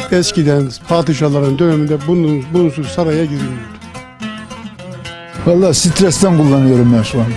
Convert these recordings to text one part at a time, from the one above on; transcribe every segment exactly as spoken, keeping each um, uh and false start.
Eskiden padişahların döneminde bunun, bunsuz saraya girilmiyordu. Vallahi stresten kullanıyorum ben şu anda.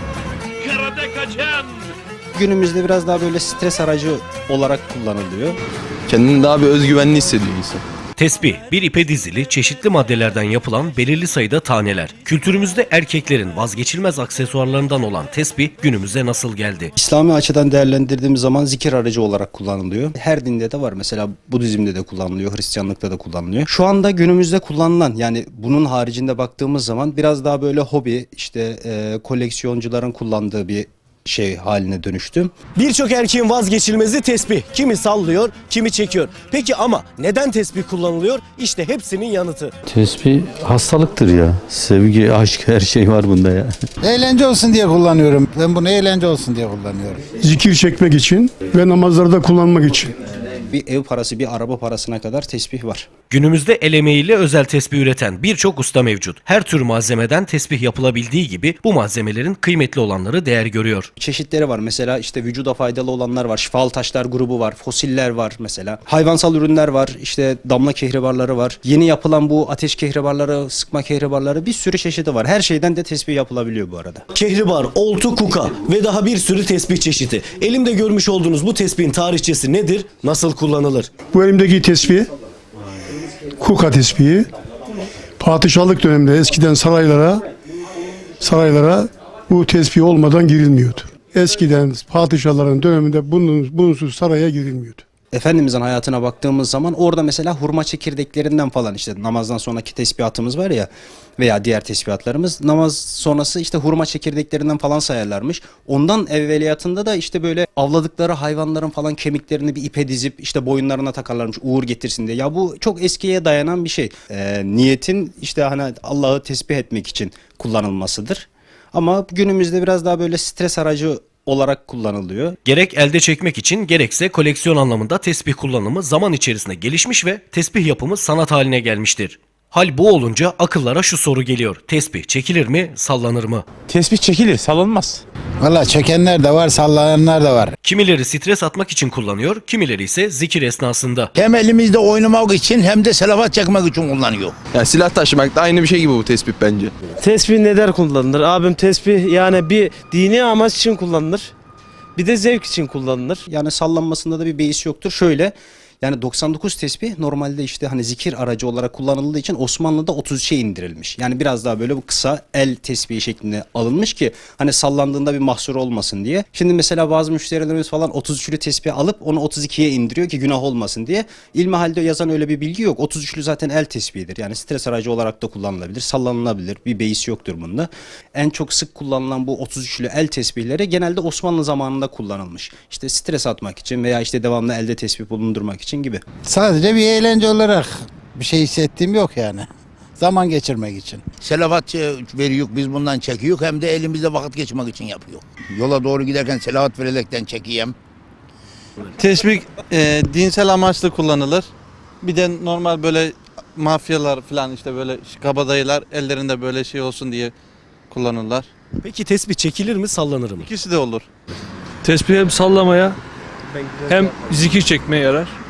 Günümüzde biraz daha böyle stres aracı olarak kullanılıyor. Kendini daha bir özgüvenli hissediyor insan. Tesbih, bir ipe dizili, çeşitli maddelerden yapılan belirli sayıda taneler. Kültürümüzde erkeklerin vazgeçilmez aksesuarlarından olan tesbih günümüze nasıl geldi? İslami açıdan değerlendirdiğimiz zaman zikir aracı olarak kullanılıyor. Her dinde de var. Mesela Budizm'de de kullanılıyor, Hristiyanlıkta da kullanılıyor. Şu anda günümüzde kullanılan, yani bunun haricinde baktığımız zaman biraz daha böyle hobi, işte e, koleksiyoncuların kullandığı bir şey haline dönüştü. Birçok erkeğin vazgeçilmezi tesbih. Kimi sallıyor, kimi çekiyor. Peki ama neden tesbih kullanılıyor? İşte hepsinin yanıtı. Tesbih hastalıktır ya. Sevgi, aşk, her şey var bunda ya. Eğlence olsun diye kullanıyorum. Ben bunu eğlence olsun diye kullanıyorum. Zikir çekmek için ve namazlarda kullanmak için. Bir ev parası, bir araba parasına kadar tesbih var. Günümüzde el emeğiyle özel tesbih üreten birçok usta mevcut. Her tür malzemeden tesbih yapılabildiği gibi bu malzemelerin kıymetli olanları değer görüyor. Çeşitleri var. Mesela işte vücuda faydalı olanlar var. Şifalı taşlar grubu var. Fosiller var mesela. Hayvansal ürünler var. İşte damla kehribarları var. Yeni yapılan bu ateş kehribarları, sıkma kehribarları, bir sürü çeşidi var. Her şeyden de tesbih yapılabiliyor bu arada. Kehribar, oltu, kuka ve daha bir sürü tesbih çeşidi. Elimde görmüş olduğunuz bu tesbihin tarihçesi nedir? Nasıl kullanılır? Bu elimdeki tesbih, kuka tesbihi, padişahlık döneminde eskiden saraylara, saraylara bu tesbih olmadan girilmiyordu. Eskiden padişahların döneminde bunun, bunsuz saraya girilmiyordu. Efendimizin hayatına baktığımız zaman orada mesela hurma çekirdeklerinden falan, işte namazdan sonraki tesbihatımız var ya veya diğer tesbihatlarımız, namaz sonrası işte hurma çekirdeklerinden falan sayarlarmış. Ondan evveliyatında da işte böyle avladıkları hayvanların falan kemiklerini bir ipe dizip işte boyunlarına takarlarmış uğur getirsin diye. Ya bu çok eskiye dayanan bir şey. Ee, niyetin işte hani Allah'ı tesbih etmek için kullanılmasıdır. Ama günümüzde biraz daha böyle stres aracı olarak kullanılıyor. Gerek elde çekmek için gerekse koleksiyon anlamında tesbih kullanımı zaman içerisinde gelişmiş ve tesbih yapımı sanat haline gelmiştir. Hal bu olunca akıllara şu soru geliyor. Tesbih çekilir mi, sallanır mı? Tespih çekilir, salınmaz. Vallahi çekenler de var, sallayanlar da var. Kimileri stres atmak için kullanıyor, kimileri ise zikir esnasında. Hem elimizde oynamak için hem de selavat çekmek için kullanıyor. Yani silah taşımak da aynı bir şey gibi bu tespih bence. Tesbih neden kullanılır? Abim tesbih yani bir dini amaç için kullanılır. Bir de zevk için kullanılır. Yani sallanmasında da bir beis yoktur. Şöyle, yani doksan dokuz tesbih normalde işte hani zikir aracı olarak kullanıldığı için Osmanlı'da otuz üçe indirilmiş. Yani biraz daha böyle bu kısa el tesbihi şeklinde alınmış ki hani sallandığında bir mahsur olmasın diye. Şimdi mesela bazı müşterilerimiz falan otuz üçlü tesbih alıp onu otuz ikiye indiriyor ki günah olmasın diye. İlmihal'de yazan öyle bir bilgi yok. otuz üçlü zaten el tesbihidir. Yani stres aracı olarak da kullanılabilir, sallanılabilir. Bir beis yoktur bunda. En çok sık kullanılan bu otuz üçlü el tesbihleri genelde Osmanlı zamanında kullanılmış. İşte stres atmak için veya işte devamlı elde tesbih bulundurmak için gibi. Sadece bir eğlence olarak bir şey hissettiğim yok yani. Zaman geçirmek için. Selavat veriyor, biz bundan çekiyor hem de elimizde vakit geçirmek için yapıyor. Yola doğru giderken selavat vererekten çekeyim. Tesbih e, dinsel amaçlı kullanılır. Bir de normal böyle mafyalar falan işte böyle kabadayılar ellerinde böyle şey olsun diye kullanırlar. Peki tesbih çekilir mi, sallanır mı? İkisi de olur. Tesbih hem sallamaya hem zikir çekmeye yarar.